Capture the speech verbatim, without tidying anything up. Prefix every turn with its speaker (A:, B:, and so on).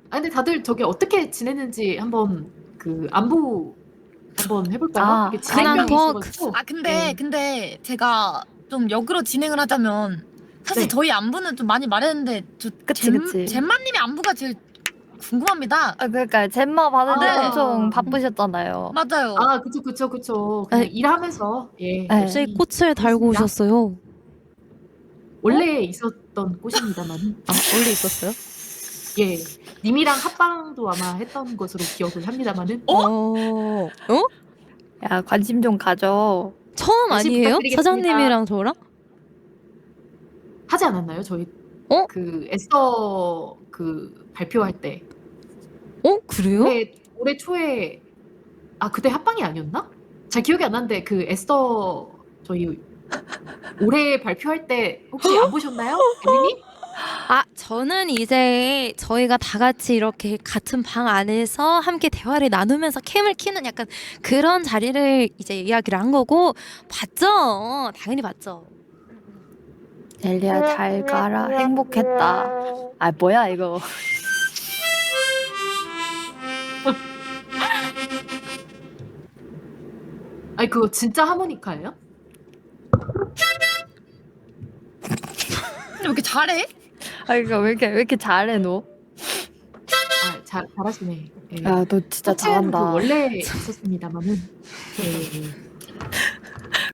A: 아 근데 다들 저기 어떻게 지냈는지 한번 그 안부 한번 해볼까요?
B: 아,
A: 이게
B: 근황
A: 진행병이
B: 톡.
A: 있어가지고.
C: 아 근데
A: 네.
C: 근데 제가 좀 역으로 진행을 하자면 사실
A: 네.
C: 저희 안부는 좀 많이 말했는데 저
B: 그치, 그치.
C: 잼마님의 안부가 제일 궁금합니다.
B: 아, 그러니까 잼마 받는데
C: 네.
B: 엄청 바쁘셨잖아요.
C: 맞아요.
A: 아 그쵸 그쵸 그쵸. 그냥
D: 네.
A: 일하면서 예
B: 네.
D: 갑자기
A: 열심히
D: 꽃을 달고
A: 했습니다.
D: 오셨어요.
A: 원래 있었던 꽃입니다만.
D: 아, 원래 있었어요?
A: 예. 님이랑 합방도 아마 했던 것으로 기억을 합니다만은.
C: 어?
D: 어? 어?
B: 야, 관심 좀 가져.
D: 처음
A: 다시
D: 아니에요?
A: 부탁드리겠습니다.
D: 사장님이랑 저랑?
A: 하지 않았나요? 저희
D: 어?
A: 그 에스더 그 발표할 때.
D: 어? 그래요?
A: 올해 올해 초에 아 그때 합방이 아니었나? 잘 기억이 안 나는데 그 에스더 저희 올해 발표할 때 혹시 안 보셨나요? 엠리님?
D: 아, 저는 이제 저희가 다 같이 이렇게 같은 방 안에서 함께 대화를 나누면서 캠을 키는 약간 그런 자리를 이제 이야기를 한 거고 봤죠. 당연히 봤죠.
B: 젤리야, 잘 가라. 행복했다. 아, 뭐야, 이거.
A: 아니 그거 진짜 하모니카예요?
C: 왜 이렇게 잘해?
B: 아, 이거 왜 이렇게, 왜 이렇게 잘해, 너?
A: 아 잘 잘하시네. 예.
B: 야, 너 진짜
A: 꽃은 그
B: 잘한다.
A: 원래 있었습니다만은. 예, 예.